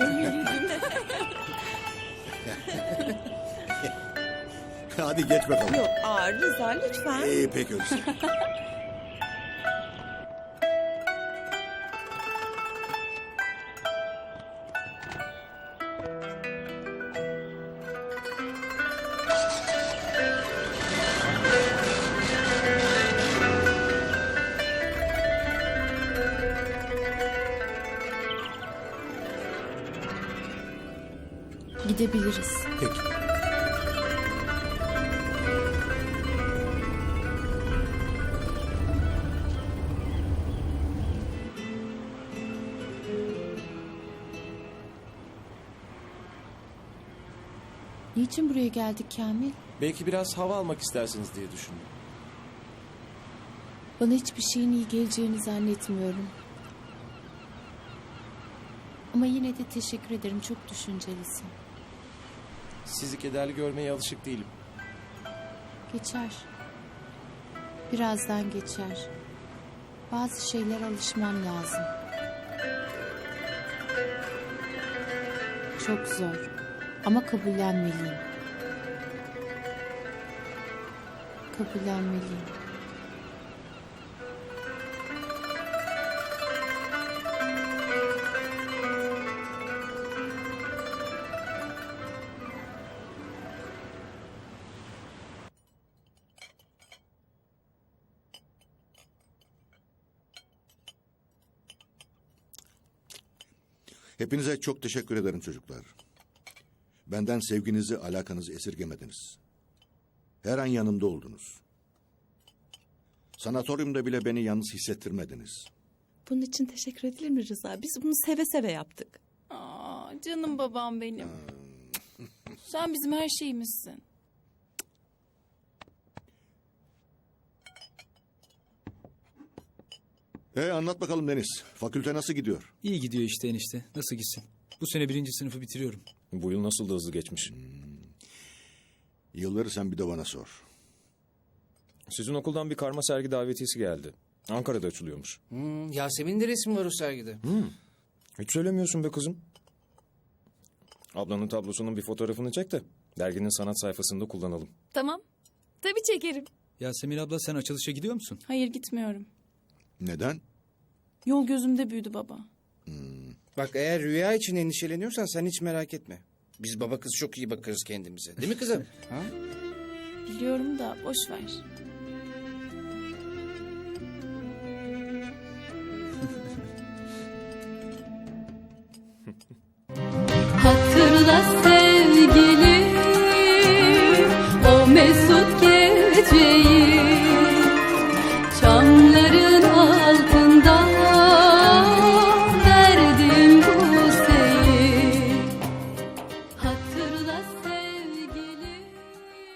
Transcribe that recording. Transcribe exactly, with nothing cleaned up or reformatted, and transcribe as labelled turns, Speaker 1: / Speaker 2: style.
Speaker 1: görmeliydim.
Speaker 2: Hadi geç bakalım.
Speaker 1: Yok, aa, Rıza lütfen.
Speaker 2: İyi pek öyleyse.
Speaker 3: Gidebiliriz.
Speaker 2: Peki.
Speaker 3: Niçin buraya geldik Kamil?
Speaker 4: Belki biraz hava almak istersiniz diye düşündüm.
Speaker 3: Bana hiçbir şeyin iyi geleceğini zannetmiyorum. Ama yine de teşekkür ederim. Çok düşüncelisin.
Speaker 4: Sizi kederli görmeye alışık değilim.
Speaker 3: Geçer. Birazdan geçer. Bazı şeyler alışmam lazım. Çok zor. Ama kabullenmeliyim. Kabullenmeliyim.
Speaker 2: Hepinize çok teşekkür ederim çocuklar. Benden sevginizi, alakanızı esirgemediniz. Her an yanımda oldunuz. Sanatoryumda bile beni yalnız hissettirmediniz.
Speaker 1: Bunun için teşekkür edilir mi Rıza? Biz bunu seve seve yaptık.
Speaker 5: Aa, canım babam benim. Sen bizim her şeyimizsin.
Speaker 2: E anlat bakalım Deniz. Fakülte nasıl gidiyor?
Speaker 6: İyi gidiyor işte enişte. Nasıl gitsin? Bu sene birinci sınıfı bitiriyorum.
Speaker 4: Bu yıl nasıl da hızlı geçmiş.
Speaker 2: Yılları sen bir de bana sor.
Speaker 4: Sizin okuldan bir karma sergi davetiyesi geldi. Ankara'da açılıyormuş.
Speaker 7: Hmm, Yasemin'in de resmi var o sergide.
Speaker 4: Hiç söylemiyorsun be kızım. Ablanın tablosunun bir fotoğrafını çek de derginin sanat sayfasında kullanalım.
Speaker 5: Tamam. Tabii çekerim.
Speaker 6: Yasemin abla sen açılışa gidiyor musun?
Speaker 5: Hayır gitmiyorum.
Speaker 2: Neden?
Speaker 5: Yol gözümde büyüdü baba.
Speaker 7: Bak eğer rüya için endişeleniyorsan sen hiç merak etme. Biz baba kız çok iyi bakarız kendimize. Değil mi kızım? Ha?
Speaker 5: Biliyorum da boş ver.
Speaker 8: Hatırla sen